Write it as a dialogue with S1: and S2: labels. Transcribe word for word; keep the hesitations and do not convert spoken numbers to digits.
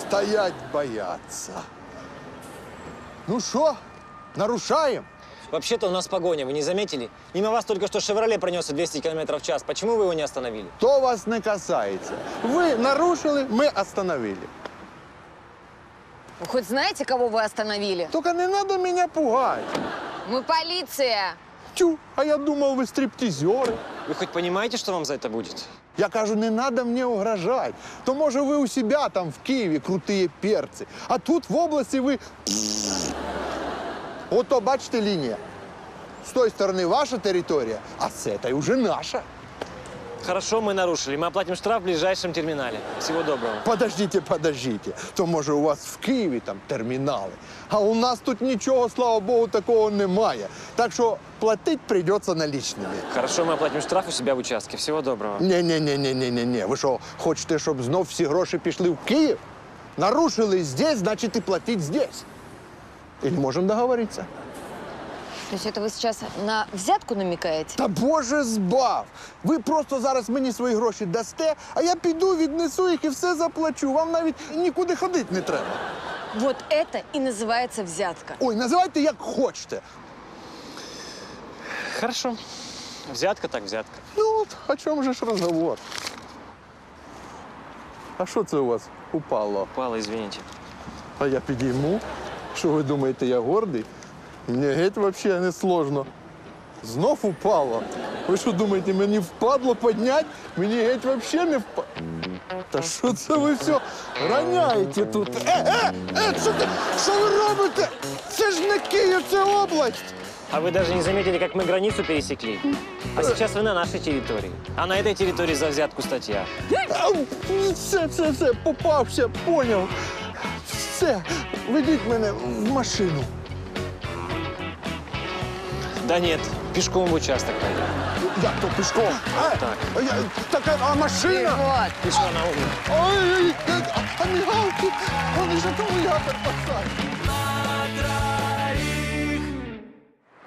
S1: стоять бояться. Ну что, нарушаем?
S2: Вообще-то у нас погоня, вы не заметили? Мимо вас только что «Шевроле» пронесся двести километров в час. Почему вы его не остановили?
S1: То вас не касается. Вы нарушили, мы остановили.
S3: Вы хоть знаете, кого вы остановили?
S1: Только не надо меня пугать.
S3: Мы полиция.
S1: Тю, а я думал, вы стриптизеры.
S2: Вы хоть понимаете, что вам за это будет?
S1: Я кажу, не надо мне угрожать. То, може, ви у себя там в Києві крутые перцы. А тут в области ви... Ото, бачите, лінія. З тої сторони ваша територія, а з цієї уже наша.
S2: Хорошо, мы нарушили. Мы оплатим штраф в ближайшем терминале. Всего доброго.
S1: Подождите, подождите. То, може, у вас в Києві там термінали. А у нас тут нічого, слава Богу, такого немає. Так що платить придется наличными.
S2: Хорошо, мы оплатим штраф у себя в участке. Всего доброго.
S1: Ні-ні-ні-ні-ні-ні. Ви що, хочете, щоб знов всі гроші пішли в Київ? Нарушили здесь, значит и платить здесь. Или можем договориться?
S3: То есть это вы сейчас на взятку намекаете?
S1: Та Боже збав! Ви просто зараз мені свої гроші дасте, а я піду, віднесу їх і все заплачу. Вам навіть нікуди ходити не треба.
S3: Вот это и называется взятка.
S1: Ой, називайте як хочете.
S2: Хорошо. Взятка так взятка.
S1: Ну от, о чому же ж розговор? А що це у вас упало?
S2: Упало, извините.
S1: А я підійму? Що ви думаєте, я гордий? Мені геть взагалі не сложно. Знов упало. Ви що думаєте, мені впадло підняти? Мені геть взагалі не впадло. Та що це ви все роняєте тут? Е, е, е, що, ти, що ви робите? Це ж не Київ, це область.
S2: А вы даже не заметили, как мы границу пересекли? А сейчас вы на нашей территории. А на этой территории за взятку статья.
S1: Ау, Все, все, все, попався, поняв. Все, ведіть мене в машину.
S2: Да нет, пешком в участок пойдем.
S1: Як то пішком? А,
S2: Так.
S1: а, я, так, а машина?
S3: Вот.
S2: Пешком на улицу.
S1: Ой, а, а мигалки, вони ж акумулятор посадять.